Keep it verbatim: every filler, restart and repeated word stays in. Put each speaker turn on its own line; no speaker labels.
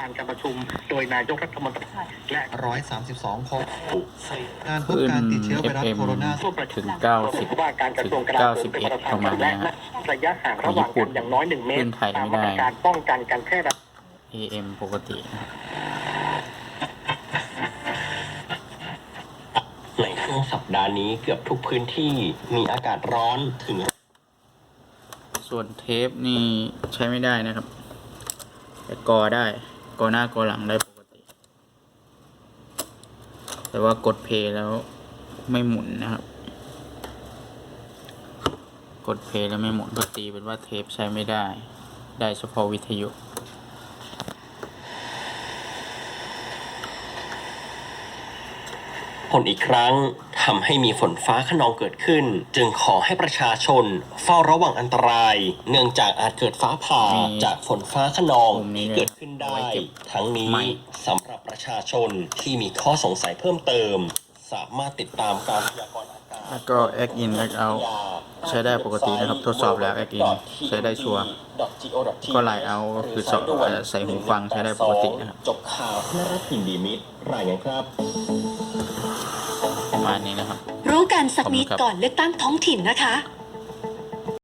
านการประชุมโดยนายกรัฐมนตรีและ
หนึ่งร้อยสามสิบสองคนการพบการติดเชื้อไวรัสโคโรนา
ถึงเก้าสิบ
ว่าการกระทรวงกลาโหมเป็นประธานและระยะห่างระหว่างกันอย่างน้อยหนึ่งเมตรตามมาตรการป้องกันการแพร่ระบาด
เอ เอ็ม ปกตินะครับ
ในช่วงสัปดาห์นี้เกือบทุกพื้นที่มีอากาศร้อนถึง
ส่วนเทปนี่ใช้ไม่ได้นะครับแต่กอได้กอหน้ากอหลังได้ปกติแต่ว่ากดเพลย์แล้วไม่หมุนนะครับกดเพลย์แล้วไม่หมุนก็ตีเป็นว่าเทปใช้ไม่ได้ได้เฉพาะวิทยุ
ผลอีกครั้งทำให้มีฝนฟ้าคะนองเกิดขึ้นจึงขอให้ประชาชนเฝ้าระวังอันตรายเนื่องจากอาจเกิดฟ้าผ่าจากฝนฟ้าคะนองที่เกิดขึ้นได้ทั้งนี้สำหรับประชาชนที่มีข้อสงสัยเพิ่มเติมสามารถติดตามการพยากรณ์อากาศ
แล้วก็ Act In Act Out ใช้ได้ปกตินะครับทดสอบแล้ว Act In ใช้ได้ชัวร์ก็ไลน์เอาก็คือใส่หูฟังใช้ได้ปกตินะครับ
จบข่าวและรับพินดีมิตรรายงานครับ
ประมาณนี้นะครับ
รู้กันสักนิดก่อนเลือกตั้งท้องถิ่นนะคะ